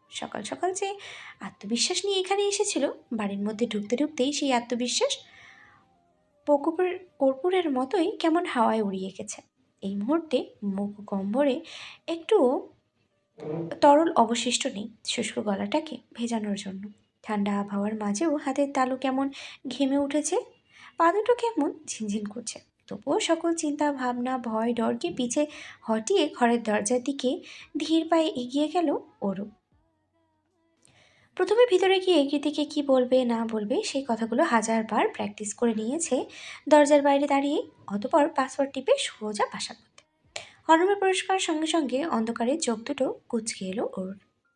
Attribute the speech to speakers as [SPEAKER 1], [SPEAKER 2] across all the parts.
[SPEAKER 1] সকাল সকাল যে আত্মবিশ্বাস নিয়ে এখানে এসেছিল, বাড়ির মধ্যে ঢুকতে ঢুকতেই সেই আত্মবিশ্বাস কর্পূরের মতোই কেমন হাওয়ায় উড়িয়ে গেছে। এই মুহূর্তে মুখ গম্বরে একটুও তরল অবশিষ্ট নেই শুষ্ক গলাটাকে ভেজানোর জন্য। ঠান্ডা আবহাওয়ার মাঝেও হাতের তালু কেমন ঘেমে উঠেছে, পা দুটো কেমন ঝিনঝিন করছে। তবুও সকল চিন্তা ভাবনা ভয় ডরকে পিছে হটিয়ে ঘরের দরজার দিকে ধীর পায়ে এগিয়ে গেল ওরু। প্রথমে ভিতরে গিয়ে কৃতিকে কি বলবে না বলবে সেই কথাগুলো হাজারবার প্র্যাকটিস করে নিয়েছে দরজার বাইরে দাঁড়িয়ে, অতপর পাসওয়ার্ড টিপে সোজা বাসা করতে। হরমের পরিষ্কার সঙ্গে সঙ্গে অন্ধকারে চোখ দুটো কুচকে এলো ওর।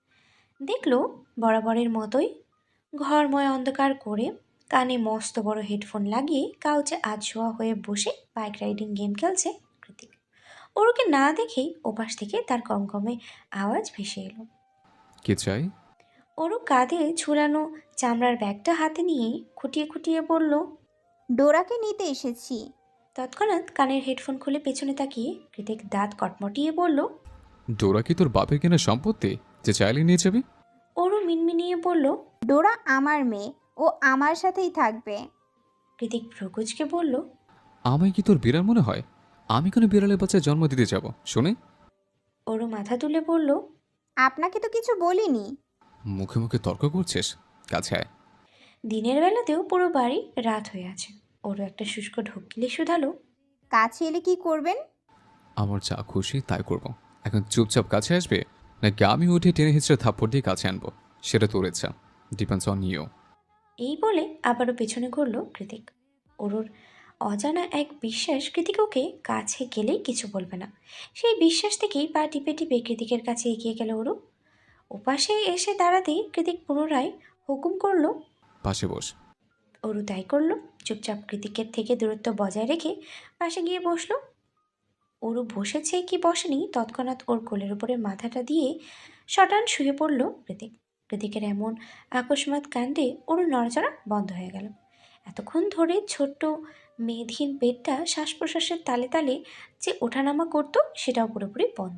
[SPEAKER 1] দেখল বরাবরের মতোই ঘরময় অন্ধকার করে কানে মস্ত বড় হেডফোন লাগিয়ে কাউচে আধশোয়া হয়ে বসে বাইক রাইডিং গেম খেলছে কৃতিক। ওরকে না দেখেই ওপাশ থেকে তার কমকমে আওয়াজ ভেসে এলো।
[SPEAKER 2] কি চাই?
[SPEAKER 1] ওরও কাঁধে ঝুলানো চামড়ার ব্যাগটা হাতে নিয়ে খুঁটিয়ে খুঁটিয়ে বলল।
[SPEAKER 3] ডোরাকে নিতে এসেছি।
[SPEAKER 1] তৎক্ষণাৎ কানের হেডফোন খুলে পেছনে তাকিয়ে কৃতিক দাঁত কটমটিয়ে বলল।
[SPEAKER 2] ডোরা কি তোর বাপের কেনা সম্পত্তি যে চাইলে নিয়ে যাবি?
[SPEAKER 1] ওরও মিনমিনিয়ে বলল।
[SPEAKER 3] ডোরা আমার মেয়ে, ও আমার সাথেই থাকবে।
[SPEAKER 1] কৃতিক ভ্রুকুচকে বলল।
[SPEAKER 2] আমায় কি তোর বিড়াল মনে হয়? আমি কোনো বিড়ালের বাচ্চায় জন্ম দিতে যাব শুনে?
[SPEAKER 1] ওরও মাথা তুলে বলল।
[SPEAKER 3] আপনাকে তো কিছু বলিনি।
[SPEAKER 2] মুখে মুখে তর্ক করছিস? কাছে আয়।
[SPEAKER 1] দিনের বেলাতেও পুরো বাড়ি রাত হয়ে আছে। ওরও একটা শুষ্ক ঢোক গিলে শুধালো।
[SPEAKER 3] কাছে এলে কি করবেন?
[SPEAKER 2] আমার যা খুশি তাই করব। এখন চুপচাপ কাছে আসবে, নাকি আমি উঠে টেনে হিচড়ে থাপ্পড় দিয়ে কাছে আনবো? সেটা তোর ইচ্ছা, ডিপেন্ডস অন ইউ।
[SPEAKER 1] এই বলে আবারও পেছনে ঘুরল কৃতিক। ওর অজানা এক বিশ্বাস কৃতিক ওকে কাছে গেলেই কিছু বলবে না। সেই বিশ্বাস থেকেই পা টিপে টিপে কৃতিকের কাছে এগিয়ে গেল ওরু। ওপাশে এসে দাঁড়াতেই কৃতিক পুনরায় হুকুম করলো।
[SPEAKER 2] পাশে বস।
[SPEAKER 1] ওরু তাই করলো। চুপচাপ কৃতিকের থেকে দূরত্ব বজায় রেখে পাশে গিয়ে বসলো। ওরু বসেছে কি বসেনি, তৎক্ষণাৎ ওর কোলের উপরে মাথাটা দিয়ে শটান শুয়ে পড়ল কৃতিক। কৃতিকের এমন আকস্মাৎ কাণ্ডে ওরু নড়াচড়া বন্ধ হয়ে গেল। এতক্ষণ ধরে ছোট্ট মেধহীন পেটটা শ্বাস প্রশ্বাসের তালে তালে যে ওঠানামা করতো সেটাও পুরোপুরি বন্ধ।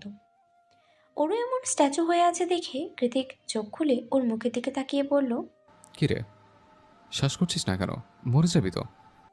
[SPEAKER 1] ওরও এমন স্ট্যাচু হয়ে আছে দেখে কৃতিক চোখ খুলে ওর মুখের দিকে তাকিয়ে বলল।
[SPEAKER 2] কি রে, শ্বাস করছিস না কেন? মরে যাবি তো।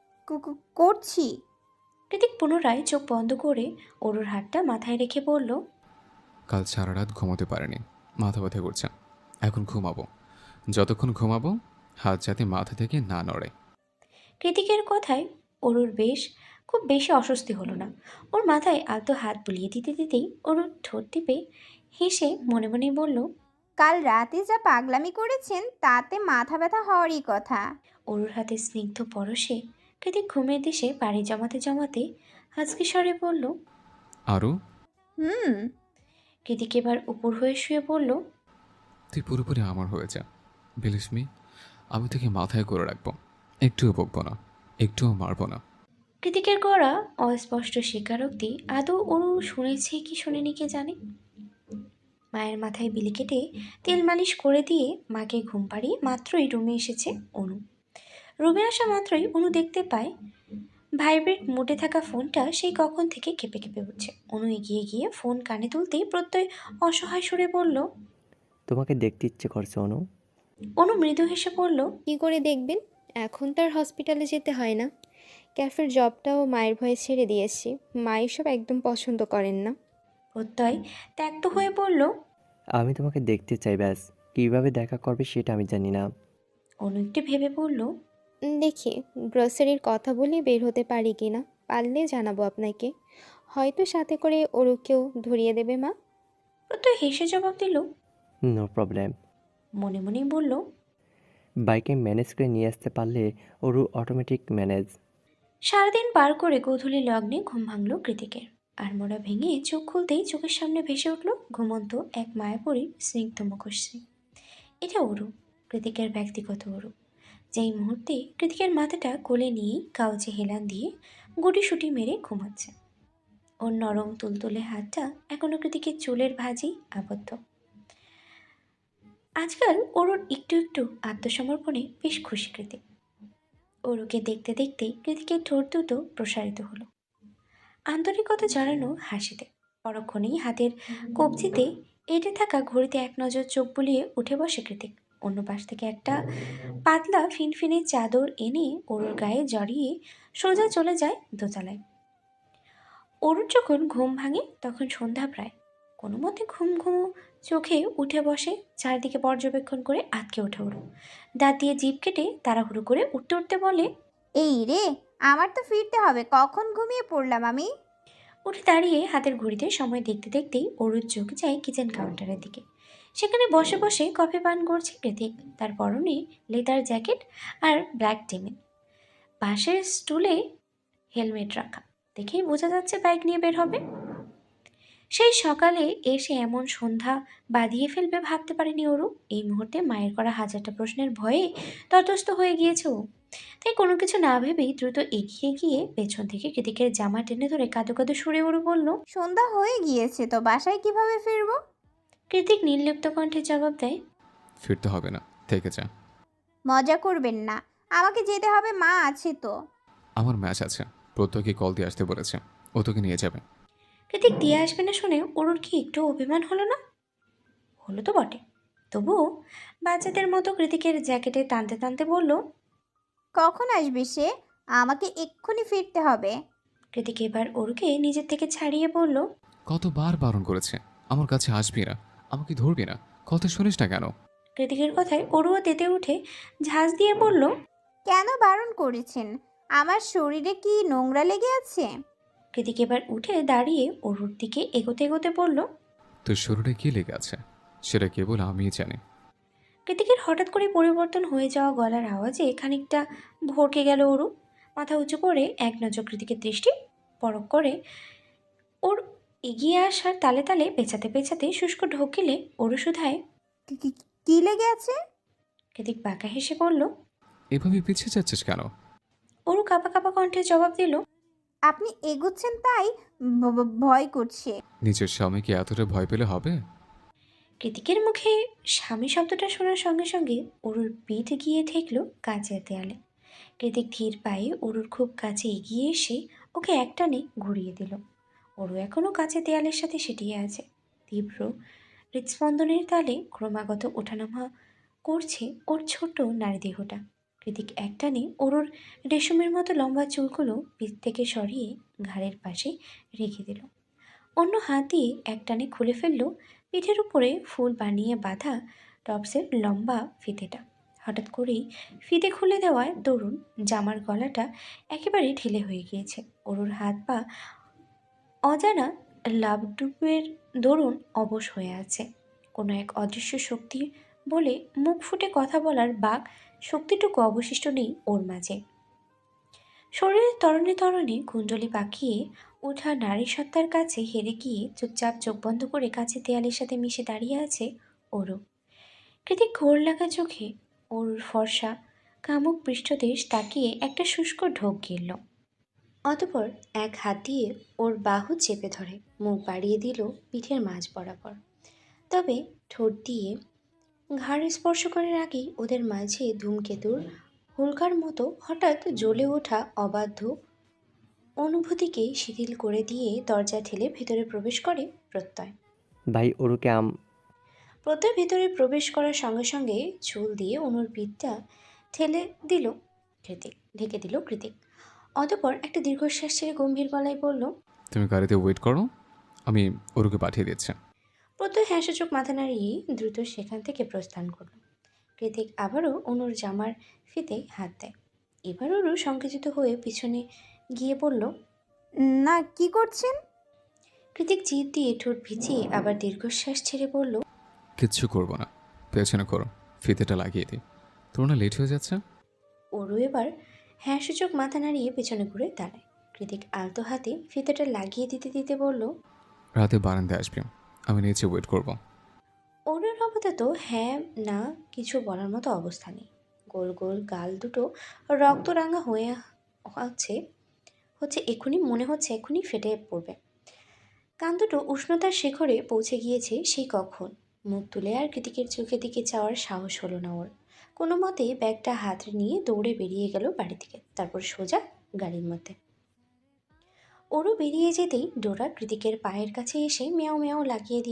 [SPEAKER 3] করছি।
[SPEAKER 1] কৃতিক পুনরায় চোখ বন্ধ করে ওরুর হাতটা মাথায় রেখে বলল।
[SPEAKER 2] কাল সারা রাত ঘুমোতে পারিনি, মাথা ব্যথা করছে। এখন ঘুমাবো। যতক্ষণ ঘুমাবো হাত যাতে মাথা থেকে না নড়ে।
[SPEAKER 1] কৃতিকের কথায় অরুর খুব বেশি অস্বস্তি হলো না। ওর মাথায় আলতো হাত বুলিয়ে দিতে দিতেই অরুর ঠোঁট টিপে হেসে মনে মনে বলল।
[SPEAKER 3] কাল রাতে যা পাগলামি করেছেন তাতে মাথা ব্যথা হওয়ারই কথা।
[SPEAKER 1] অরুর হাতে স্নিগ্ধ পরশে কৃতিক ঘুমের দেশে পাড়ি জমাতে জমাতে হাসকি স্বরে বলল।
[SPEAKER 2] আরও?
[SPEAKER 3] হুম।
[SPEAKER 1] কৃতিক এবার উপর হয়ে শুয়ে বলল।
[SPEAKER 2] তুই পুরোপুরি আমার হয়ে যা, বিলিভ মি। আমি তোকে মাথায় করে রাখবো, একটুও বকবো না, একটুও মারবো না।
[SPEAKER 1] কৃতিকের গড়া অস্পষ্ট স্বীকারোক্তি আদৌ অরু শুনেছে কি শোনেনি কে জানে। মায়ের মাথায় বিলি কেটে তেল মালিশ করে দিয়ে মাকে ঘুম পাড়িয়ে মাত্রই রুমে এসেছে অনু। রুমে আসা মাত্রই অনু দেখতে পায় ভাইব্রেট মোডে থাকা ফোনটা সেই কখন থেকে কেঁপে কেঁপে উঠছে। অনু এগিয়ে গিয়ে ফোন কানে তুলতেই প্রত্যয় অসহায় সুরে বলল।
[SPEAKER 4] তোমাকে দেখতে ইচ্ছে করছে অনু।
[SPEAKER 1] অনু মৃদু হেসে বলল।
[SPEAKER 5] কী করে দেখবেন? এখন তার হসপিটালে যেতে হয় না। ক্যাফের জবটাও মায়ের ভয়ে ছেড়ে দিয়েছি। মা এসব একদম পছন্দ করেন না।
[SPEAKER 1] প্রত্যয় ত্যক্ত হয়ে বলল।
[SPEAKER 4] আমি তোমাকে দেখতে চাই, ব্যাস। কিভাবে দেখা করবে সেটা আমি জানি না।
[SPEAKER 1] অনু একটু ভেবে বলল।
[SPEAKER 5] দেখি গ্রসারির কথা বলে বের হতে পারি কি না। পারলে জানাবো আপনাকে। হয়তো সাথে করে ওরুকেও ধরিয়ে দেবে মা।
[SPEAKER 1] প্রত্যয় হেসে জবাব দিল।
[SPEAKER 4] No problem.
[SPEAKER 1] মনে মনেই বলল।
[SPEAKER 4] বাইকে ম্যানেজ করে নিয়ে আসতে পারলে ওরও অটোমেটিক ম্যানেজ।
[SPEAKER 1] সারাদিন পার করে গোধূলি লগ্নে ঘুম ভাঙল কৃতিকের। আর মোড়া ভেঙে চোখ খুলতেই চোখের সামনে ভেসে উঠল ঘুমন্ত এক মায়াপরীর স্নিগ্ধ মুখশ্রী। এটা অরু, কৃতিকের ব্যক্তিগত অরু। যেই মুহূর্তে কৃতিকের মাথাটা কোলে নিয়েই কাউচে হেলান দিয়ে গুটিসুটি মেরে ঘুমাচ্ছে। ওর নরম তুলতুলে হাতটা এখনো কৃতিকের চুলের ভাঁজেই আবদ্ধ। আজকাল ওর একটু একটু আত্মসমর্পণে বেশ খুশি কৃতিক। অরুকে দেখতে দেখতেই কৃতিকের ঠোঁট দুটো প্রসারিত হলো আন্তরিকতা জানানো হাসিতে। পরক্ষণেই হাতের কবজিতে এঁটে থাকা ঘড়িতে এক নজর চোখ বুলিয়ে উঠে বসে কৃতিক। অন্য পাশ থেকে একটা পাতলা ফিনফিনে চাদর এনে ওর গায়ে জড়িয়ে সোজা চলে যায় দোতলায়। অরুর যখন ঘুম ভাঙে তখন সন্ধ্যা প্রায়। কোনো মতে ঘুম ঘুমো চোখে উঠে বসে, চারদিকে পর্যবেক্ষণ করে আটকে ওঠে ওরু। দাঁত দিয়ে জিভ কেটে তাড়াহুড়ো করে উঠতে উঠতে বলে,
[SPEAKER 3] এই রে, আমার তো ফিরতে হবে, কখন ঘুমিয়ে পড়লাম আমি।
[SPEAKER 1] উঠে দাঁড়িয়ে হাতের ঘড়িতে সময় দেখতে দেখতেই অরুর চোখ যায় কিচেন কাউন্টারের দিকে। সেখানে বসে বসে কফি পান করছে কৃতিক। তার পরনে লেদার জ্যাকেট আর ব্ল্যাক ডেনিম। পাশের স্টুলে হেলমেট রাখা, দেখেই বোঝা যাচ্ছে বাইক নিয়ে বের হবে। সেই সকালে এসে এমন সন্ধ্যা বাঁধিয়ে ফেলবে ভাবতে পারেনি অরু। এই মুহূর্তে মায়ের করা হাজারটা প্রশ্নের ভয়ে তটস্থ হয়ে গিয়েছে ও। তাই কোনো কিছু না ভেবেই দ্রুত এগিয়ে গিয়ে পেছন থেকে কৃতিকের জামা টেনে ধরে কাঁদো কাঁদো সুরে অরু বলল।
[SPEAKER 3] সন্ধ্যা হয়ে গিয়েছে তো, বাসায় কিভাবে ফিরবো?
[SPEAKER 1] কৃতিক নির্লিপ্ত কণ্ঠে জবাব দেয়,
[SPEAKER 2] ফিরতে হবে না, থেকে যা।
[SPEAKER 3] মজা করবেন না, আমাকে যেতে হবে, মা আছে তো।
[SPEAKER 2] আমার ম্যাচ আছে, প্রত্যেককে কল দিয়ে আসতে বলেছে, ও তোকে নিয়ে যাবে।
[SPEAKER 1] কৃতিক দিয়ে আসবে না শুনে অরুর কি একটু অভিমান হলো না? হলো তো বটে। তবুও বাচ্চাদের মতো কৃতিকের জ্যাকেটে টানতে টানতে বলল,
[SPEAKER 3] কখন আসবে সে? আমাকে এক্ষুনি ফিরতে হবে।
[SPEAKER 1] কৃতিক এবার অরুকে নিজের থেকে ছাড়িয়ে বলল,
[SPEAKER 2] কতবার বারণ করেছে আমার কাছে আসবি না, আমাকে ধরবি না, কথা শুনিস না কেন?
[SPEAKER 1] কৃতিকের কথায় অরুও তেতে উঠে ঝাঁজ দিয়ে বলল,
[SPEAKER 3] কেন বারণ করেছেন? আমার শরীরে কি নোংরা লেগে আছে?
[SPEAKER 1] কৃতিক এবার উঠে দাঁড়িয়ে অরুর দিকে এগোতে এগোতে বলল।
[SPEAKER 2] তোর শরীরে কি লেগে আছে সেটা কেবল আমিই জানি।
[SPEAKER 1] কৃতিকের হঠাৎ করে পরিবর্তন হয়ে যাওয়া গলার আওয়াজে খানিকটা ভরকে গেল অরু। মাথা উঁচু করে এক নজর কৃতিকের দৃষ্টি পরখ করে ওর এগিয়ে আসার তালে তালে পেঁচাতে পেঁচাতে শুষ্ক ঢোকিলে অরু শুধায়।
[SPEAKER 3] কি লেগে আছে?
[SPEAKER 1] কৃতিক বাঁকা হেসে বলল।
[SPEAKER 2] এভাবে পিছিয়ে যাচ্ছিস কেন?
[SPEAKER 1] অরু কাঁপা কাঁপা কণ্ঠে জবাব দিল।
[SPEAKER 3] আপনি এগোচ্ছেন তাই ভয় করছে।
[SPEAKER 2] নিজের স্বামীকে এতটা ভয় পেলে হবে?
[SPEAKER 1] কৃতিকের মুখে স্বামী শব্দটা শোনার সঙ্গে সঙ্গে অরুর পিঠ গিয়ে ঠেকল কাঁচের দেয়ালে। কৃতিক ধীর পায়ে অরুর খুব কাছে এগিয়ে এসে ওকে একটানে ঘুরিয়ে দিল। অরু এখনও কাঁচের দেয়ালের সাথে সেটিয়ে আছে। তীব্র হৃৎস্পন্দনের তালে ক্রমাগত ওঠানামা করছে ওর ছোট নারী দেহটা। কৃতিক একটানে অরুর রেশমের মতো লম্বা চুলগুলো পিঠ থেকে সরিয়ে ঘাড়ের পাশে রেখে দিল। অন্য হাত দিয়ে একটানে খুলে ফেলল পিঠের উপরে ফুল বানিয়ে বাঁধা টপসের লম্বা ফিতেটা। হঠাৎ করেই ফিতে খুলে দেওয়ায় দরুন জামার গলাটা একেবারে ঢিলে হয়ে গিয়েছে। অরুর হাত পা অজানা লাভডুবের দরুন অবশ হয়ে আছে। কোনো এক অদৃশ্য শক্তি বলে মুখ ফুটে কথা বলার বাক শক্তিটুকু অবশিষ্ট নেই ওর মাঝে। শরীরের তরণে তরণে কুণ্ডলি পাকিয়ে ওঠা নারী সত্তার কাছে হেরে গিয়ে চুপচাপ চোখ বন্ধ করে কাছে দেয়ালের সাথে মিশে দাঁড়িয়ে আছে ওরও। কৃতিক ঘোর লাগা চোখে ওর ফর্সা কামুক পৃষ্ঠদেশ তাকিয়ে একটা শুষ্ক ঢোক গিলল। অতপর এক হাত দিয়ে ওর বাহু চেপে ধরে মুখ বাড়িয়ে দিল পিঠের মাঝ বরাবর। তবে ঠোঁট দিয়ে ঘাড় স্পর্শ করার আগেই ওদের মাঝে ধূমকেতুর হুলকার মতো হঠাৎ জ্বলে ওঠা অবাধ্য অনুভূতিকে শিথিল করে দিয়ে দরজা ঠেলে ভেতরে প্রবেশ করে প্রত্যয়।
[SPEAKER 4] ভাই ওরুকে
[SPEAKER 1] প্রত্যয় ভেতরে প্রবেশ করার সঙ্গে সঙ্গে চুল দিয়ে অনুর পিঠটা ঠেলে দিল কৃতিক, ঢেকে দিল কৃতিক। অতপর একটা দীর্ঘশ্বাস ছেড়ে গম্ভীর গলায় বলল,
[SPEAKER 2] তুমি গাড়িতে ওয়েট করো, আমি ওরুকে পাঠিয়ে দিচ্ছি।
[SPEAKER 1] প্রত্যয় হ্যাঁসূচক মাথা নাড়িয়ে দ্রুত সেখান থেকে প্রস্থান করল। কৃতিক আবারও অনুর জামার ফিতে হাত দেয়। এবার অনু সংকুচিত হয়ে পিছনে গিয়ে বলল,
[SPEAKER 3] না, কি করছেন?
[SPEAKER 1] কৃতিক জিভ দিয়ে ঠোঁট ভিজিয়ে আবার দীর্ঘশ্বাস ছেড়ে বলল,
[SPEAKER 2] কিচ্ছু করবো না, পেছনে করো, ফিতেটা লাগিয়ে দিই। তোর না লেট হয়ে যাচ্ছে।
[SPEAKER 1] ওরও এবার হ্যাঁসূচক মাথা নাড়িয়ে পেছনে ঘুরে দাঁড়ায়। কৃতিক আলতো হাতে ফিতেটা লাগিয়ে দিতে দিতে বলল,
[SPEAKER 2] রাতে বারান্দায় আসবি, আমি নিচে ওয়েট করব।
[SPEAKER 1] ওরের আপাতত হ্যাঁ না কিছু বলার মতো অবস্থা নেই। গোল গোল গাল দুটো রক্তরাঙা হয়ে হচ্ছে হচ্ছে এক্ষুনি মনে হচ্ছে এক্ষুনি ফেটে পড়বে। কান দুটো উষ্ণতার শিখরে পৌঁছে গিয়েছে সেই কখন। মুখ তুলে আর কৃতিকের চোখের দিকে চাওয়ার সাহস হলো না ওর। কোনো মতে ব্যাগটা হাতে নিয়ে দৌড়ে বেরিয়ে গেল বাড়ি থেকে, তারপর সোজা গাড়ির মধ্যে। ওরও বেরিয়ে যেতেই ডোরা কৃতিকের পায়ের কাছে এসে মেয়াও মেয়াও লাগিয়ে দিয়েছে।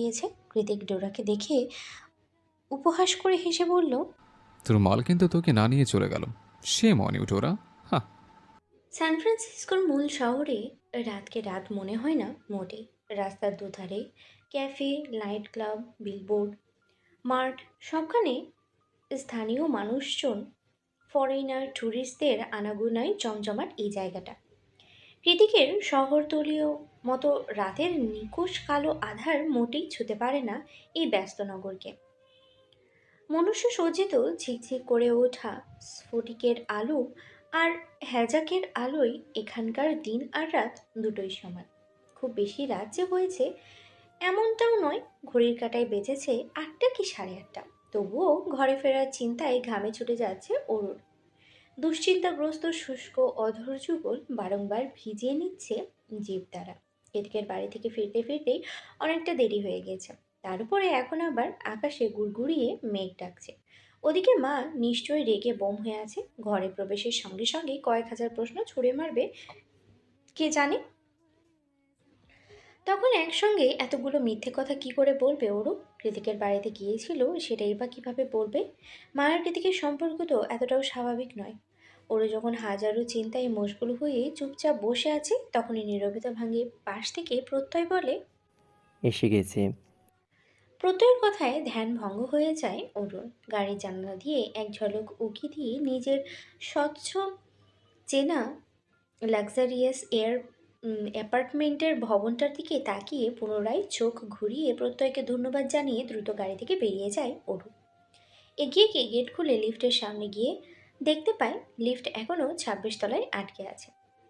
[SPEAKER 1] কৃতিক ডোরাকে দেখে উপহাস করে হেসে বলল,
[SPEAKER 2] তোর মাল কিন্তু তোকে না নিয়ে চলে গেল। সে মনে ওরা। হ্যাঁ।
[SPEAKER 1] সান ফ্রান্সিসকোর মূল শহরে রাতকে রাত মনে হয় না মোটেই। রাস্তার দুধারে cafe, night club, billboard, mart, সবখানে স্থানীয় মানুষজন, ফরেনার, ট্যুরিস্টদের আনাগোনায় জমজমাট এই জায়গাটা। কৃতিকের শহরতলীয় মতো রাতের নিকোষ কালো আধার মোটেই ছুতে পারে না এই ব্যস্ত নগরকে। মনুষ্য সজ্জিত ঝিকঝিক করে ওঠা স্ফটিকের আলো আর হ্যাজাকের আলোয় এখানকার দিন আর রাত দুটোই সমান। খুব বেশি রাত যে হয়েছে এমনটাও নয়, ঘড়ির কাঁটায় বেজেছে 8টা কি 8:30। তবুও ঘরে ফেরার চিন্তায় ঘামে ছুটে যাচ্ছে অরুর। দুশ্চিন্তাগ্রস্ত শুষ্ক অধর যুগল বারংবার ভিজিয়ে নিচ্ছে জিভ দ্বারা। এদিকের বাড়ি থেকে ফিরতে ফিরতেই অনেকটা দেরি হয়ে গেছে। তার উপরে এখন আবার আকাশে গুড়গুড়িয়ে মেঘ ডাকছে। ওদিকে মা নিশ্চয়ই রেগে বোম হয়ে আছে। ঘরে প্রবেশের সঙ্গে সঙ্গে কয়েক হাজার প্রশ্ন ছুড়ে মারবে কে জানে। তখন একসঙ্গে এতগুলো মিথ্যে কথা কি করে বলবে ওরও? কৃতিকের বাড়িতে গিয়েছিল সেটাই বা কিভাবে বলবে? মায়ের কৃতিকের সম্পর্ক তো এতটাও স্বাভাবিক নয়। ওরও যখন হাজারো চিন্তায় মশগুল হয়ে চুপচাপ বসে আছে, তখনই নীরবতা ভাঙে পাশ থেকে প্রত্যয় বলে।
[SPEAKER 4] এসে গেছে।
[SPEAKER 1] প্রত্যয়ের কথায় ধ্যান ভঙ্গ হয়ে যায় অরুণ। গাড়ির জানালা দিয়ে এক ঝলক উঁকি দিয়ে নিজের স্বচ্ছ চেনা লাক্সারিয়াস অ্যাপার্টমেন্টের ভবনটার দিকে তাকিয়ে পুনরায় চোখ ঘুরিয়ে প্রত্যয়কে ধন্যবাদ জানিয়ে দ্রুত গাড়ি থেকে বেরিয়ে যায় অরু। এগিয়ে গিয়ে গেট খুলে লিফটের সামনে গিয়ে দেখতে পায় লিফট এখনও 26 তলায় আটকে আছে।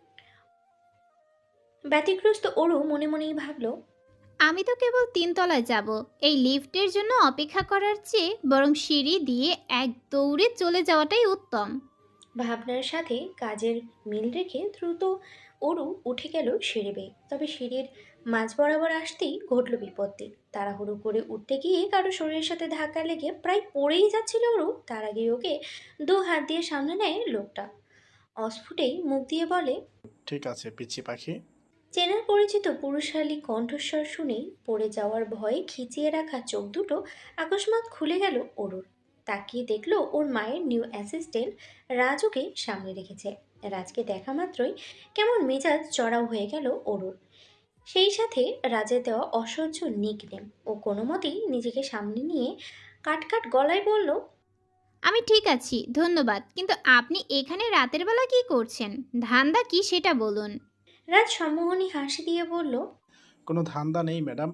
[SPEAKER 1] ব্যতিগ্রস্ত অরু মনে মনেই ভাবল,
[SPEAKER 3] আমি তো কেবল 3 তলায় যাব। এই লিফটের জন্য অপেক্ষা করার চেয়ে বরং সিঁড়ি দিয়ে এক দৌড়ে চলে যাওয়াটাই উত্তম।
[SPEAKER 1] ভাবনার সাথে কাজের মিল রেখে দ্রুত অরু উঠে গেল সিঁড়ি বেয়ে। তবে সিঁড়ির মাঝ বরাবর আসতেই ঘটল বিপত্তি। তাড়াহুড়ো করে উঠতে গিয়ে কারো শরীরের সাথে ধাক্কা লেগে প্রায় পড়েই যাচ্ছিল অরু। তার আগে ওকে 2 হাত দিয়ে সামনে নেয় লোকটা। অস্ফুটেই মুখ দিয়ে বলে,
[SPEAKER 6] ঠিক আছে পিচ্চি পাখি।
[SPEAKER 1] চেনার পরিচিত পুরুষালী কণ্ঠস্বর শুনেই পড়ে যাওয়ার ভয়ে খিচিয়ে রাখা চোখ দুটো আকস্মাৎ খুলে গেল অরুর। তাকিয়ে দেখলো ওর মায়ের নিউ অ্যাসিস্ট্যান্ট রাজ ওকে সামনে রেখেছে। রাজকে দেখা মাত্রই কেমন মেজাজ চড়াও হয়ে গেল অরুর। সেই সাথে রাজের দেওয়া অসহ্য নিকনেম। ও কোনো মতেই নিজেকে সামনে নিয়ে কাট গলায় বলল,
[SPEAKER 3] আমি ঠিক আছি, ধন্যবাদ, কিন্তু আপনি এখানে রাতের বেলা কি করছেন? ধান্দা কি সেটা বলুন।
[SPEAKER 1] রাজ সম্মোহনী হাসি দিয়ে বলল,
[SPEAKER 6] কোনো ধান্দা নেই ম্যাডাম।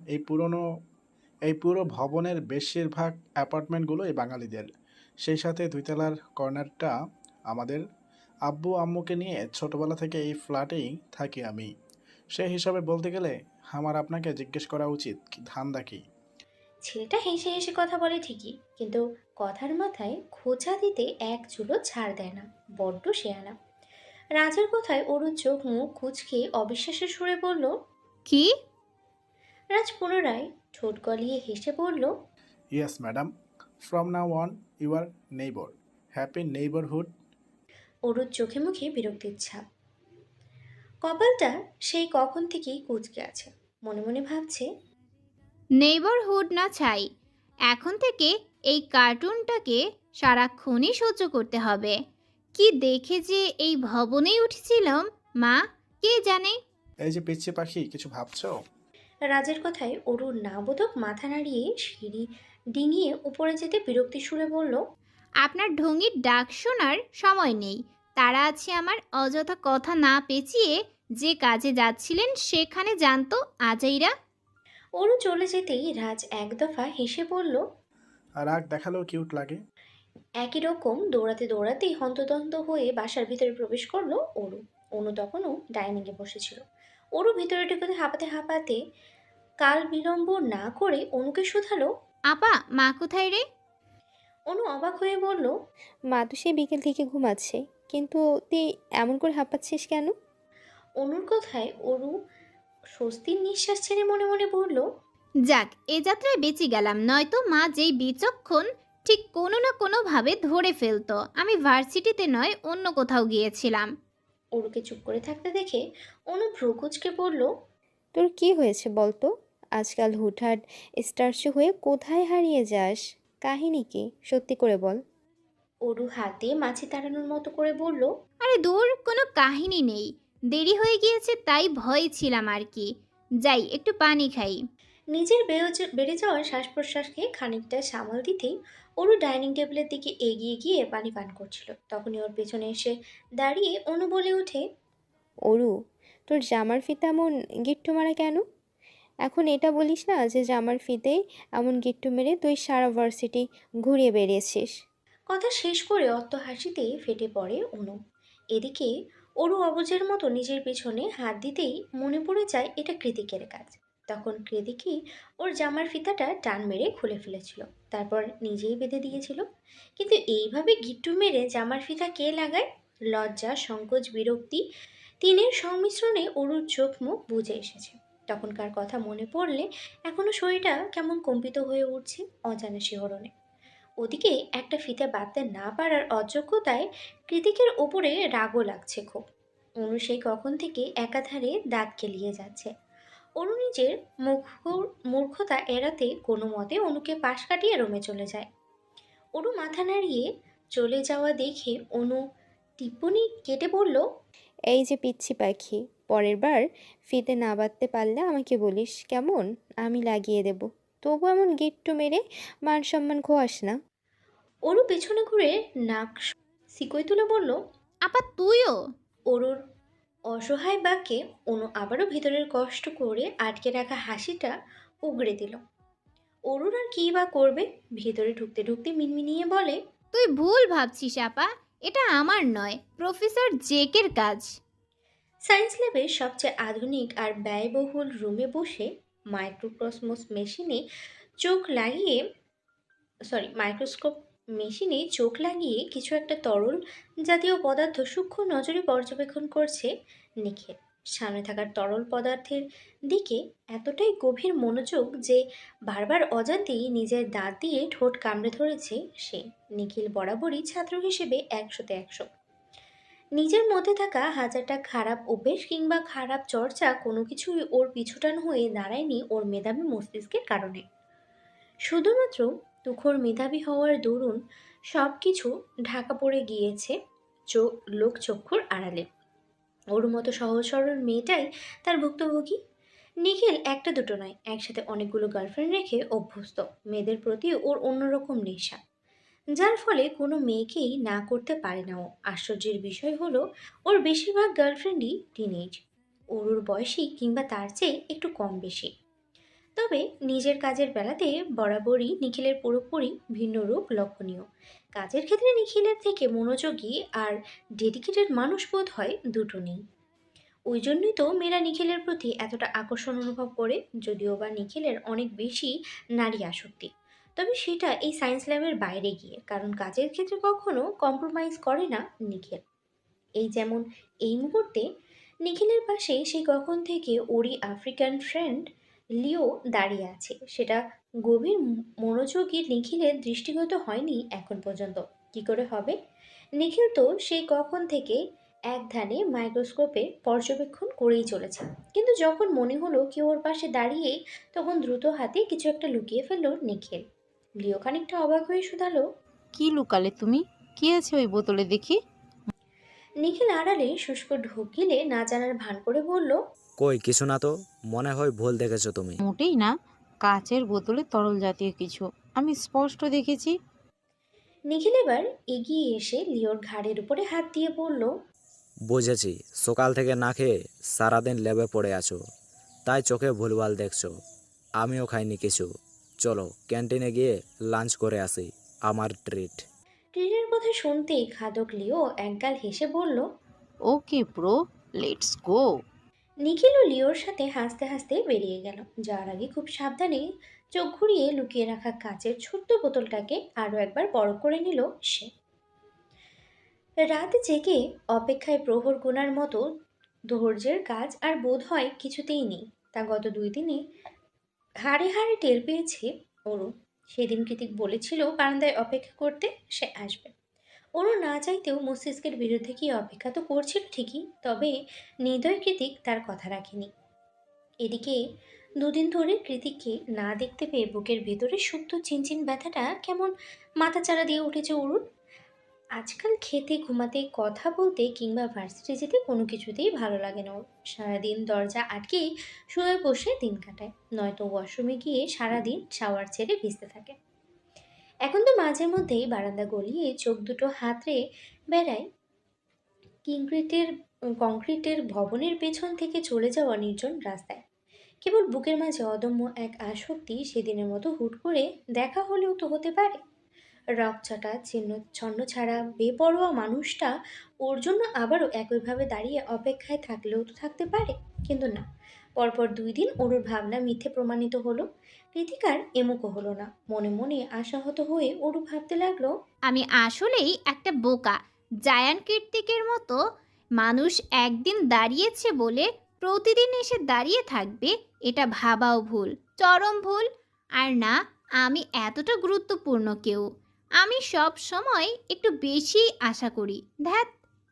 [SPEAKER 6] এই পুরো ভবনের বেশিরভাগ অ্যাপার্টমেন্টগুলো এই বাঙালিদের। সেই সাথে 2 তলার কর্নারটা আমাদের। আব্বু আম্মুকে নিয়ে ছোটবেলা থেকে এই ফ্ল্যাটেই থাকি আমি। সেই হিসাবে বলতে গেলে আমার আপনাকে জিজ্ঞেস করা উচিত ধান্দা কি।
[SPEAKER 1] ছেলেটা হেসে হেসে কথা বলে ঠিকই, কিন্তু কথার মাথায় খোঁচা দিতে এক চুলো ছাড় দেয় না। বড্ড শেয়ানা। রাজের কথায় ওর চোখ মুখ কুঁচকে অবিশ্বাসের সুরে বলল,
[SPEAKER 3] কি?
[SPEAKER 1] রাজ পুনরায় ঠোঁট গলিয়ে হেসে বলল,
[SPEAKER 6] yes madam, from now on you are neighbour. Happy neighbourhood.
[SPEAKER 1] ওর চোখে মুখে বিরক্তির ছাপ। কপালটা সেই কখন থেকেই কুঁচকে আছে। মনে মনে ভাবছে,
[SPEAKER 3] নেইবারহুড না ছাই, এখন থেকে এই কার্টুনটাকে সারাক্ষণই সহ্য করতে হবে। কি দেখে যে এই ভবনেই উঠেছিলাম মা, কে জানে।
[SPEAKER 6] এই যে পিচ্চি পাখি, কিছু ভাবছো?
[SPEAKER 1] রাজের কথায় অরুর না বোধক মাথা নাড়িয়ে সিঁড়ি ডিঙিয়ে উপরে যেতে বিরক্তি সুরে বলল,
[SPEAKER 3] আপনার ঢঙ্গির ডাক শোনার সময় নেই। তারা আছে আমার, অযথা কথা না পেঁচিয়ে যে কাজে যাচ্ছিলেন সেখানে জানতো আজাইরা।
[SPEAKER 1] অরু চলে যেতেই রাজ এক দফা হেসে বলল,
[SPEAKER 6] রাগ দেখালেও কিউট লাগে।
[SPEAKER 1] একই রকম দৌড়াতে দৌড়াতেই হন্তদন্ত হয়ে বাসার ভিতরে প্রবেশ করলো অরু। অনু তখনও ডাইনিংয়ে বসেছিল। অরু ভিতরে ঢুকে হাঁপাতে হাঁপাতে কাল বিলম্ব না করে অনুকে শুধালো।
[SPEAKER 3] আপা, মা কোথায় রে?
[SPEAKER 1] অনু অবাক হয়ে বলল,
[SPEAKER 5] মা তো সে বিকেল থেকে ঘুমাচ্ছে, কিন্তু তুই এমন করে হাঁপাচ্ছিস কেন?
[SPEAKER 1] অনুর কথায় অরু স্বস্তির নিঃশ্বাস ছেড়ে মনে মনে বলল,
[SPEAKER 3] যাক, এ যাত্রায় বেঁচে গেলাম, নয়তো মা যেই বিচক্ষণ ঠিক কোনো না কোনোভাবে ধরে ফেলতো আমি ভার্সিটিতে নয় অন্য কোথাও গিয়েছিলাম।
[SPEAKER 1] অরুকে চুপ করে থাকতে দেখে অনু ভ্রু কুঁচকে বলল,
[SPEAKER 5] তোর কি হয়েছে বলতো? আজকাল হুটহাট স্টার্চু হয়ে কোথায় হারিয়ে যাস? কাহিনী কি? সত্যি করে বল।
[SPEAKER 1] অরু হাতে মাছি তাড়ানোর মতো করে বলল,
[SPEAKER 3] আরে দূর, কোনো কাহিনী নেই। দেরি হয়ে গিয়েছে তাই ভয়ে ছিলাম আর কি। যাই একটু পানি খাই।
[SPEAKER 1] নিজের বেড়ে যাওয়া শ্বাস প্রশ্বাসকে খানিকটা সামাল দিতেই অরু ডাইনিং টেবিলের দিকে এগিয়ে গিয়ে পানি পান করছিল। তখনই ওর পেছনে এসে দাঁড়িয়ে অনু বলে ওঠে,
[SPEAKER 5] অরু, তোর জামার ফিতা এমন গিট্টু মারা কেন? এখন এটা বলিস না যে জামার ফিতেই এমন গিট্টু মেরে তুই সারা ভার্সিটি ঘুরিয়ে বেরিয়েছিস।
[SPEAKER 1] কথা শেষ করে অট্ট হাসিতে ফেটে পড়ে অনু। এদিকে অরু অবুঝের মতো নিজের পেছনে হাত দিতেই মনে পড়ে যায় এটা কৃতিকের কাজ। তখন কৃতিকই ওর জামার ফিতাটা টান মেরে খুলে ফেলেছিল, তারপর নিজেই বেঁধে দিয়েছিল। কিন্তু এইভাবে গিট্টু মেরে জামার ফিতা কে লাগায়? লজ্জা, সংকোচ, বিরক্তি তিনের সংমিশ্রণে অরুর চোখ মুখ বুজে এসেছে। তখনকার কথা মনে পড়লে এখনো শরীরটা কেমন কম্পিত হয়ে উঠছে অজানা শিহরণে। ওদিকে একটা ফিতে বাঁধতে না পারার অযোগ্যতায় কৃতিকের ওপরে রাগও লাগছে খুব। অনু সেই কখন থেকে একাধারে দাঁত কেলিয়ে যাচ্ছে। অনু নিজের মূর্খতা এড়াতে কোনো মতে অনুকে পাশ কাটিয়ে রুমে চলে যায়। অনু মাথা নাড়িয়ে চলে যাওয়া দেখে অনু টিপ্পনি কেটে বলল,
[SPEAKER 5] এই যে পিচ্ছি পাখি, পরের বার ফিতে না বাঁধতে পারলে আমাকে বলিস কেমন? আমি লাগিয়ে দেব। তবু এমন গিট্টু মেরে মান সম্মান খোয়াস না।
[SPEAKER 1] অনু পেছনে ঘুরে নাক সিকই তুলে বলল।
[SPEAKER 3] আপা তুইও?
[SPEAKER 1] অরুর অসহায় বাক্যে অনু আবারও ভিতরের কষ্ট করে আটকে রাখা হাসিটা উগড়ে দিল। অরুণ আর কী বা করবে, ভেতরে ঢুকতে ঢুকতে মিনমিনিয়ে বলে,
[SPEAKER 3] তুই ভুল ভাবছিস আপা, এটা আমার নয়, প্রফেসর জেকের কাজ।
[SPEAKER 1] সায়েন্স ল্যাবের সবচেয়ে আধুনিক আর ব্যয়বহুল রুমে বসে মাইক্রোকসমোস মেশিনে চোখ লাগিয়ে মাইক্রোস্কোপ মেশিনে চোখ লাগিয়ে কিছু একটা তরল জাতীয় পদার্থ সূক্ষ্ম নজরে পর্যবেক্ষণ করছে নিখিল। সামনে থাকার তরল পদার্থের দিকে এতটাই গভীর মনোযোগ যে বারবার অজান্তেই নিজের দাঁত দিয়ে ঠোঁট কামড়ে ধরেছে সে। নিখিল বরাবরই ছাত্র হিসেবে 100-তে 100। নিজের মধ্যে থাকা হাজারটা খারাপ অভ্যেস কিংবা খারাপ চর্চা কোনো কিছুই ওর পিছুটান হয়ে দাঁড়ায়নি ওর মেধাবী মস্তিষ্কের কারণে। শুধুমাত্র তুখোর মেধাবী হওয়ার দরুন সব কিছু ঢাকা পড়ে গিয়েছে লোকচক্ষুর আড়ালে। ওর মতো সহজ সরল মেয়েটাই তার ভুক্তভোগী। নিখিল একটা দুটো নয়, একসাথে অনেকগুলো গার্লফ্রেন্ড রেখে অভ্যস্ত। মেয়েদের প্রতি ওর অন্যরকম নেশা, যার ফলে কোনো মেয়েকেই না করতে পারে না ও। আশ্চর্যের বিষয় হলো ওর বেশিরভাগ গার্লফ্রেন্ডই টিনেজ, ওর বয়সী কিংবা তার চেয়ে একটু কম বেশি। তবে নিজের কাজের বেলাতে বরাবরই নিখিলের পুরোপুরি ভিন্ন রূপ লক্ষণীয়। কাজের ক্ষেত্রে নিখিলের থেকে মনোযোগী আর ডেডিকেটেড মানুষ বোধ হয় দুটো নেই। ওই জন্যই তো মেয়েরা নিখিলের প্রতি এতটা আকর্ষণ অনুভব করে, যদিও বা নিখিলের অনেক বেশি নারী আসক্তি। তবে সেটা এই সায়েন্স ল্যাবের বাইরে গিয়ে, কারণ কাজের ক্ষেত্রে কখনো কম্প্রোমাইজ করে না নিখিল। এই যেমন এই মুহূর্তে নিখিলের পাশে সেই কখন থেকে ওরই আফ্রিকান ফ্রেন্ড লিও দাঁড়িয়ে আছে, সেটা গভীর মনোযোগী নিখিলের দৃষ্টিগত হয়নি এখন পর্যন্ত। কি করে হবে? নিখিল তো সেই কখন থেকে এক ধ্যানে মাইক্রোস্কোপে পর্যবেক্ষণ করেই চলেছে, কিন্তু যখন মনে হলো কেউ ওর পাশে দাঁড়িয়ে, তখন দ্রুত হাতে কিছু একটা লুকিয়ে ফেললো নিখিল। লিও খানিকটা অবাক হয়ে শুধালো,
[SPEAKER 7] কি লুকালে তুমি? কি আছে ওই বোতলে দেখি?
[SPEAKER 1] নিখিল আড়ালে শুষ্ক ঢোক গিলে না জানার ভান করে বলল,
[SPEAKER 8] কই কিছু না তো, মনে হয় ভুল দেখেছো তুমি।
[SPEAKER 7] মোটেই না, কাচের বোতলে তরল জাতীয় কিছু আমি স্পষ্ট দেখেছি।
[SPEAKER 1] নিখিল এবার এগিয়ে এসে লিওর ঘাড়ের উপরে হাত দিয়ে বলল,
[SPEAKER 8] বুঝেছি, সকাল থেকে না খেয়ে সারাদিন ল্যাবে পড়ে আছো, তাই চোখে ভুলভাল দেখছো। আমিও খাইনি কিছু। চলো ক্যান্টিনে গিয়ে লাঞ্চ করে আসি, আমার ট্রিট।
[SPEAKER 1] ট্রেনের কথা শুনতেই খাদক লিও একগাল হেসে বলল।
[SPEAKER 7] Okay bro, let's go.
[SPEAKER 1] নিখিলও লিওর সাথে হাসতে হাসতে বেরিয়ে গেল। যাওয়ার আগে খুব সাবধানে চোখ ঘুরিয়ে লুকিয়ে রাখা কাচের ছোট্ট বোতলটাকে আরও একবার বড় করে নিল সে। রাত জেগে অপেক্ষায় প্রহর গোনার মতো ধৈর্যের কাজ আর বোধ হয় কিছুতেই নেই। তা গত 2 দিনে হাড়ে হাড়ে টের পেয়েছে অরু। সেদিন কৃতিক বলেছিল বারান্দায় অপেক্ষা করতে, সে আসবে। অরু না চাইতেও মস্তিষ্কের বিরুদ্ধে কি অপেক্ষা তো করছিল ঠিকই, তবে নির্দয় কৃতিক তার কথা রাখেনি। এদিকে দুদিন ধরে কৃতিককে না দেখতে পেয়ে বুকের ভেতরে সুপ্ত চিনচিন ব্যথাটা কেমন মাথাচাড়া দিয়ে উঠেছে অরুণ। আজকাল খেতে, ঘুমাতে, কথা বলতে কিংবা ভার্সিটি যেতে কোনো কিছুতেই ভালো লাগে না ওর। সারাদিন দরজা আটকেই শুয়ে বসে দিন কাটায়, নয়তো ওয়াশরুমে গিয়ে সারাদিন শাওয়ার ছেড়ে ভিজতে থাকে। এখন তো মাঝে মধ্যেই বারান্দা গলিয়ে চোখ দুটো হাতড়ে বেড়ায় কংক্রিটের কংক্রিটের ভবনের পেছন থেকে চলে যাওয়া নির্জন রাস্তায়। কেবল বুকের মাঝে অদম্য এক আসক্তি সেদিনের মতো হুট করে দেখা হলেও তো হতে পারে। রকচটা চিহ্ন ছন্ন ছাড়া বেপরোয়া মানুষটা ওর জন্য আবারও একইভাবে দাঁড়িয়ে অপেক্ষায় থাকলেও তো থাকতে পারে, কিন্তু না। পরপর 2 দিন ওর ভাবনা মিথ্যে প্রমাণিত হলো। কৃতিকার এমুকো হলো না। মনে মনে আশাহত হয়ে ওরু ভাবতে লাগলো,
[SPEAKER 3] আমি আসলেই একটা বোকা। জায়ান কীর্তিকের মতো মানুষ একদিন দাঁড়িয়েছে বলে প্রতিদিন এসে দাঁড়িয়ে থাকবে, এটা ভাবাও ভুল, চরম ভুল। আর না, আমি এতটা গুরুত্বপূর্ণ কেউ। আমি সব সময় একটু বেশি আশা করি। ধ্যাত।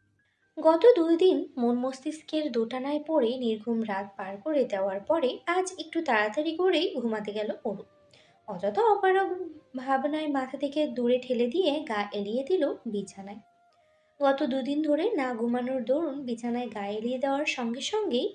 [SPEAKER 1] গত 2 দিন মন মস্তিষ্কের দোটানায় পড়ে নির্ঘুম রাত পার করে দেওয়ার পরে আজ একটু তাড়াতাড়ি করেই ঘুমাতে গেল অরু। অযথা অপারগ ভাবনায় মাথা থেকে দূরে ঠেলে দিয়ে গা এলিয়ে দিল বিছানায়। গত 2 দিন ধরে না ঘুমানোর দরুন বিছানায় গা এলিয়ে দেওয়ার সঙ্গে সঙ্গেই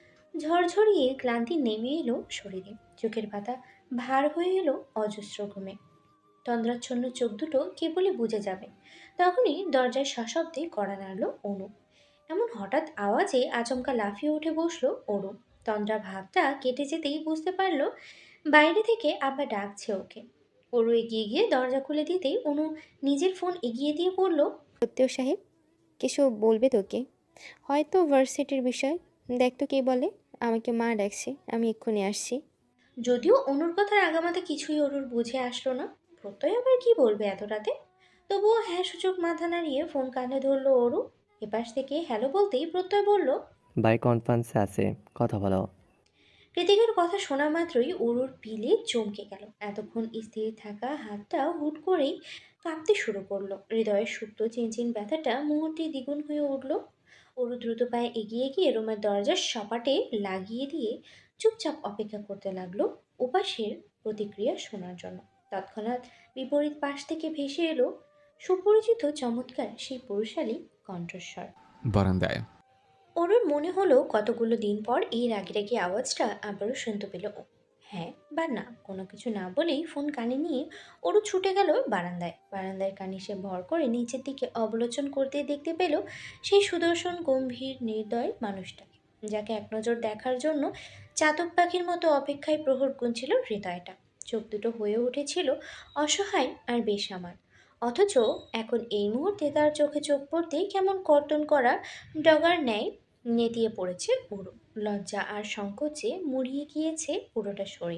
[SPEAKER 1] ঝরঝরিয়ে ক্লান্তি নেমে এলো শরীরে। চোখের পাতা ভার হয়ে এলো অজস্র ঘুমে। তন্দ্রাচ্ছন্ন চোখ দুটো কেবলই বুঝে যাবে, তখনই দরজায় সশব্দে কড়া নাড়ল অনু। এমন হঠাৎ আওয়াজে আচমকা লাফিয়ে উঠে বসলো অরু। তন্দ্রা ভাবটা কেটে যেতেই বুঝতে পারলো বাইরে থেকে আবার ডাকছে ওকে। অরু এগিয়ে গিয়ে দরজা খুলে দিতেই অনু নিজের ফোন এগিয়ে দিয়ে বলল,
[SPEAKER 5] সত্যিও সাহেব, কিছু বলবে তোকে? হয়তো ভার্সিটির বিষয়। দেখ তো কে বলে। আমাকে মা ডাকছে, আমি এক্ষুনি আসছি।
[SPEAKER 1] যদিও অনুর কথার আগামাতে কিছুই অরুর বুঝে আসলো না। প্রত্যয় আবার কি বলবে এত রাতে। তবুও হ্যাঁ সূচক মাথা নাড়িয়ে ফোন কানে ধরলো অরু। এপাশ থেকে হ্যালো বলতেই প্রত্যয় বলল,
[SPEAKER 4] ভাই কনফারেন্সে আছে, কথা বলো।
[SPEAKER 1] কৃতিকের কথা শোনা মাত্রই অরুর পিলে চমকে গেল। এতক্ষণ স্থির থাকা হাতটা হুট করেই কাঁপতে শুরু করলো। হৃদয়ের সুপ্ত চিনচিন ব্যথাটা মুহূর্তে দ্বিগুণ হয়ে উঠল। অরু দ্রুত পায়ে এগিয়ে গিয়ে রুমের দরজার সপাটে লাগিয়ে দিয়ে চুপচাপ অপেক্ষা করতে লাগলো উপাসের প্রতিক্রিয়া শোনার জন্য। তৎক্ষণাৎ বিপরীত পাশ থেকে ভেসে এলো সুপরিচিত চমৎকার সেই পুরুষালী কণ্ঠস্বর।
[SPEAKER 2] বারান্দায়।
[SPEAKER 1] অরুর মনে হলো কতগুলো দিন পর এই রাগি আওয়াজটা আবারও শুনতে পেল ও। হ্যাঁ বা না কোনো কিছু না বলেই ফোন কানে নিয়ে অরু ছুটে গেল বারান্দায়। বারান্দায় কানিসে ভর করে নিচের দিকে অবলোচন করতে দেখতে পেল সেই সুদর্শন গম্ভীর নির্দয় মানুষটাকে, যাকে এক নজর দেখার জন্য চাতক পাখির মতো অপেক্ষায় প্রহর গুনছিল হৃদয়টা। চোখ দুটো হয়ে উঠেছিল অসহায় আর বেসামাল। অথচ এখন এই মুহূর্তে তার চোখে চোখ পড়তেই কেমন কর্তন করা ডগার ন্যায় নেতিয়ে পড়েছে পুরো। লজ্জা আর সংকোচে মুড়িয়ে গিয়েছে পুরোটা শরীর।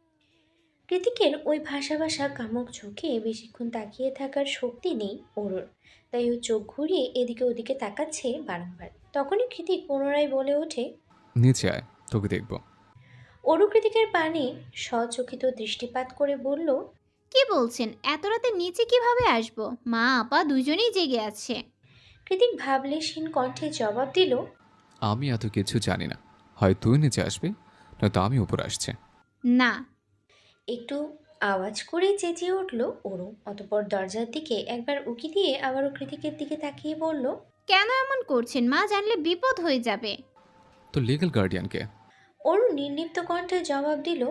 [SPEAKER 1] কৃতিকের ওই ভাষা ভাষা কামুক চোখে বেশিক্ষণ তাকিয়ে থাকার শক্তি নেই ওরর, তাই ও চোখ ঘুরিয়ে এদিকে ওদিকে তাকাচ্ছে বারংবার। তখনই কৃতিক পুনরায় বলে ওঠে,
[SPEAKER 2] নিচে আয়, তোকে দেখব।
[SPEAKER 1] অরু কৃতিকের পানে সচকিত দৃষ্টিপাত করে বলল,
[SPEAKER 3] কি বলছেন? এত রাতে নিচে কিভাবে আসবো? মা আপা দুজনেই জেগে আছে।
[SPEAKER 1] কৃতিক ভাবলেশহীন কণ্ঠে জবাব দিল,
[SPEAKER 2] আমি এত কিছু জানি না, হয় তুই নিচে আসবি, নয়তো আমি উপর আসছে।
[SPEAKER 3] না।
[SPEAKER 1] একটু আওয়াজ করে চেঁচিয়ে উঠল অরু। অতপর দরজার দিকে একবার উকি দিয়ে আবারও কৃতিকের দিকে তাকিয়ে বলল,
[SPEAKER 3] কেন এমন করছেন? মা জানলে বিপদ হয়ে যাবে।
[SPEAKER 2] তো লিগ্যাল গার্ডিয়ানকে।
[SPEAKER 1] অরু নির্লিপ্ত কণ্ঠে জবাব দিল।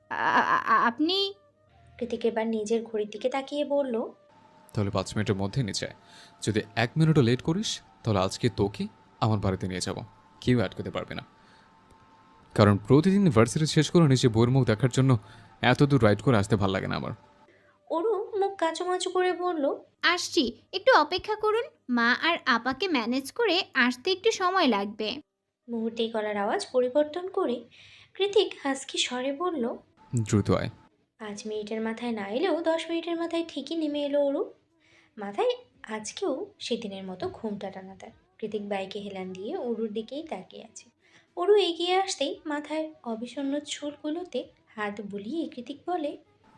[SPEAKER 3] আপনি?
[SPEAKER 1] কৃতিক এবার নিজের ঘড়ির দিকে তাকিয়ে বলল,
[SPEAKER 2] তাহলে 5 মিনিটের মধ্যে নিচে আয়। যদি 1 মিনিটও লেট করিস তাহলে আজকে তোকে আমার বাড়িতে নিয়ে যাব, কেউ আটকাতে পারবে না। কারণ প্রতিদিন ভার্সিটি শেষ করে নিজে বইয়ের মুখ দেখার জন্য এত দূর রাইড করে আসতে ভালো লাগে না আমার।
[SPEAKER 1] অরু মুখ কাঁচুমাচু করে বলল,
[SPEAKER 3] আসছি, একটু অপেক্ষা করুন। মা আর আপাকে ম্যানেজ করে আসতে একটু সময় লাগবে।
[SPEAKER 1] মুহূর্তেই গলার আওয়াজ পরিবর্তন করে কৃতিক হাসকি স্বরে বলল,
[SPEAKER 2] দ্রুত আয়।
[SPEAKER 1] 5 মিনিটের মাথায় না এলেও 10 মিনিটের মাথায় ঠিকই নেমে এলো অরু। মাথায় আজকেও সেদিনের মতো ঘুমটা টানা তার। কৃতিক বাইকে হেলান দিয়ে অরুর দিকেই তাকিয়ে আছে। অরু এগিয়ে আসতেই মাথায় অবিষণ্ণ চুলগুলোতে হাত বুলিয়ে কৃতিক বলে,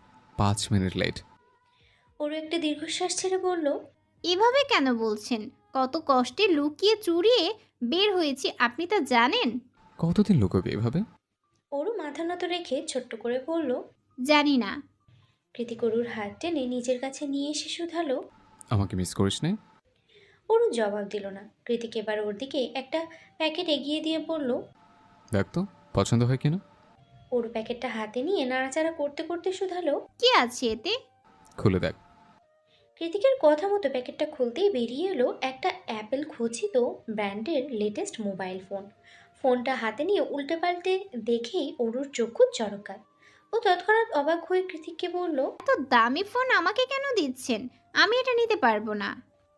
[SPEAKER 2] 5 মিনিট লেট।
[SPEAKER 1] অরু একটা দীর্ঘশ্বাস ছেড়ে বলল,
[SPEAKER 3] এভাবে কেন বলছেন? কত কষ্টে লুকিয়ে চুরিয়ে বের হয়েছি, আপনি তা জানেন?
[SPEAKER 2] কতদিন লুকোবে এভাবে?
[SPEAKER 1] ওরও মাথা নত রেখে ছোট্ট করে বলল।
[SPEAKER 3] জানি না।
[SPEAKER 1] কৃতিক অরুর হাত টেনে নিজের কাছে নিয়ে এসে শুধালো।
[SPEAKER 2] আমাকে মিস করিস নে?
[SPEAKER 1] অরু জবাব দিল না। কৃতিক এবার ওর দিকে একটা প্যাকেট এগিয়ে দিয়ে বলল।
[SPEAKER 2] দেখ তো পছন্দ হয় কিনা।
[SPEAKER 1] ওর প্যাকেটটা হাতে নিয়ে নাড়াচাড়া করতে করতে শুধালো।
[SPEAKER 3] কি আছে এতে?
[SPEAKER 2] খুলে দেখ।
[SPEAKER 1] কৃতিকের কথা মতো প্যাকেটটা খুলতেই বেরিয়ে এলো একটা অ্যাপেল খচিত ব্র্যান্ডের লেটেস্ট মোবাইল ফোন। ফোনটা হাতে নিয়ে উল্টে পাল্টে দেখেই অরুর চক্ষু চরকায়। ও তৎক্ষণাৎ অবাক হয়ে কৃতিককে বলল।
[SPEAKER 3] এত দামি ফোন আমাকে কেন দিচ্ছেন? আমি এটা নিতে পারবো না।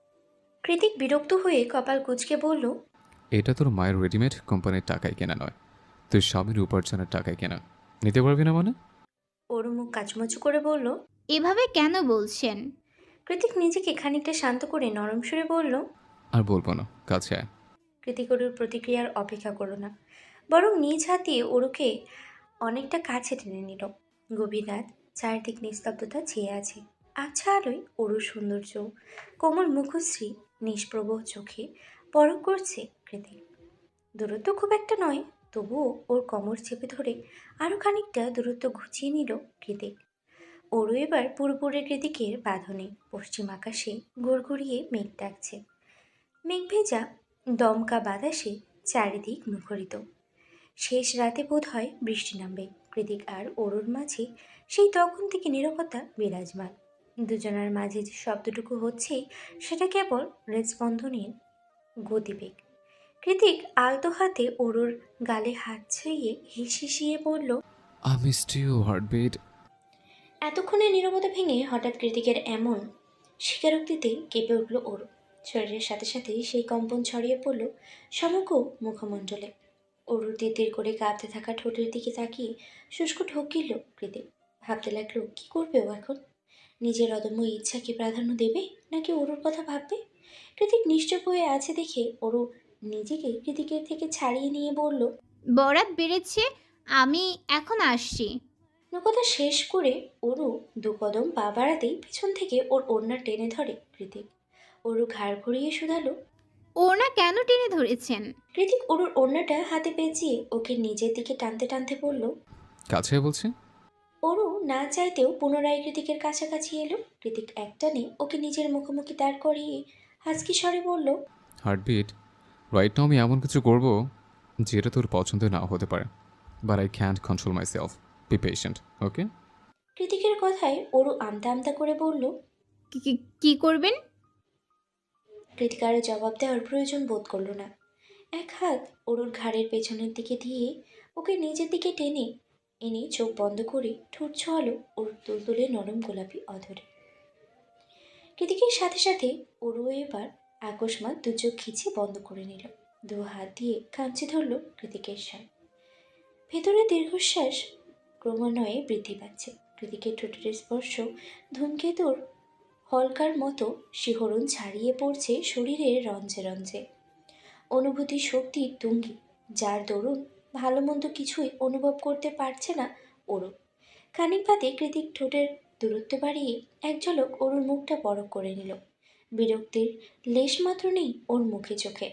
[SPEAKER 1] কৃতিক বিরক্ত হয়ে কপাল কুঁচকে বলল।
[SPEAKER 2] এটা তোর মায়ের রেডিমেড কোম্পানির টাকায় কেনা নয়, তুই স্বামীর উপার্জনের টাকায় কেনা। নিতে পারবি না মানে?
[SPEAKER 1] অরু মুখ কাচুমাচু করে বলল।
[SPEAKER 3] এভাবে কেন বলছেন?
[SPEAKER 1] কৃতিক নিজেকে খানিকটা শান্ত করে নরম সুরে বলল।
[SPEAKER 2] আর বলবো না, কাছে আয়।
[SPEAKER 1] কৃতিক অরুর প্রতিক্রিয়ার অপেক্ষা করল না, বরং নিজ হাতে অরুকে অনেকটা কাছে টেনে নিল। গভীর রাত, চারিদিক নিস্তব্ধতা ছেয়ে আছে। আচ্ছা আলোয় অরুর সৌন্দর্য, কোমল মুখশ্রী, নিষ্প্রভ চোখে পরখ করছে কৃতিক। দূরত্ব খুব একটা নয়, তবুও ওর কোমর চেপে ধরে আরও খানিকটা দূরত্ব ঘুচিয়ে নিল কৃতিক। ওরও এবার পুরোপুরি কৃতিকের বাঁধনে। পশ্চিম আকাশে ঘুরঘুরিয়ে মেঘ ডাকছে। মেঘ ভেজা দমকা বাতাসে চারিদিক মুখরিত। শেষ রাতে বোধ হয় বৃষ্টি নামবে। কৃতিক আর অরুর মাঝে সেই তখন থেকে নীরবতা বিরাজমান। দুজনার মাঝে যে শব্দটুকু হচ্ছে সেটা কেবল হৃদস্পন্দনের গতিবেগ। কৃতিক আলতো হাতে অরুর গালে হাত ছুঁয়ে হিসিয়ে বলল।
[SPEAKER 2] I missed you heartbeat.
[SPEAKER 1] এতক্ষণে নীরবতা ভেঙে হঠাৎ কৃতিকের এমন স্বীকারোক্তিতে কেঁপে উঠল ওর। শরীরের সাথে সাথে সেই কম্পন ছড়িয়ে পড়ল সমগ্র মুখমণ্ডলে। অরুর তির করে কাঁপতে থাকা ঠোঁটের দিকে তাকিয়ে শুষ্ক ঢোক গিলল কৃতিক। ভাবতে লাগলো কি করবে ও এখন। নিজের অদম্য ইচ্ছাকে প্রাধান্য দেবে নাকি অরুর কথা ভাববে। কৃতিক নিশ্চুপ হয়ে আছে দেখে অরু নিজেকে কৃতিকের থেকে ছাড়িয়ে নিয়ে বলল।
[SPEAKER 3] বরাত বেড়েছে, আমি এখন আসছি।
[SPEAKER 1] কথা শেষ করে অরু দু কদম পা বাড়াতেই পিছন থেকে ওর ওড়না টেনে ধরে কৃতিক। অরু ঘাড় ঘুরিয়ে শুধালো।
[SPEAKER 3] ওনা কেন টেনে ধরেছেন?
[SPEAKER 1] কৃতিক অরুর ওড়নাটা হাতে পেঁচিয়ে ওকে নিজের দিকে টানতে টানতে বলল।
[SPEAKER 2] কাছে আয় বলছি।
[SPEAKER 1] অরু না চাইতেও পুনরায় কৃতিকের কাছাকাছি এলো। কৃতিক একটানে ওকে নিজের মুখোমুখি দাঁড় করিয়ে হাসকি স্বরে বলল।
[SPEAKER 2] হার্টবিট, রাইট নাও আমি এমন কিছু করব যেটা তোর পছন্দ নাও হতে পারে, but I can't control myself. Be patient, okay?
[SPEAKER 1] কৃতিকের কথায় অরু আমতা আমতা করে বলল।
[SPEAKER 3] কি করবেন?
[SPEAKER 1] কৃতিক আর জবাব দেওয়ার প্রয়োজন বোধ করল না। এক হাত অরুর ঘাড়ের পেছনের দিকে দিয়ে ওকে নিজের দিকে টেনে এনে চোখ বন্ধ করে ঠোঁট ছোঁয়ালো ওর তুলতুলে নরম গোলাপি অধরে। কৃতিকের সাথে সাথে অরু এবার আকস্মাৎ দু চোখ খিচে বন্ধ করে নিল। দু হাত দিয়ে খামচে ধরল কৃতিকের শাল। ভেতরে দীর্ঘশ্বাস ক্রমান্বয়ে বৃদ্ধি পাচ্ছে। কৃতিকের ঠোঁটের স্পর্শ ধূমকেতুর হলকার মতো শিহরণ ছাড়িয়ে পড়ছে শরীরের রঞ্জে রঞ্জে। অনুভূতি শক্তির তুঙ্গি, যার দরুন ভালো মন্দ কিছুই অনুভব করতে পারছে না অরু। খানিক বাদে কৃতিক ঠোঁটের দূরত্ব বাড়িয়ে এক ঝলক অরুর মুখটা পরখ করে নিল। বিরক্তির লেশমাত্র নেই ওর মুখে চোখে।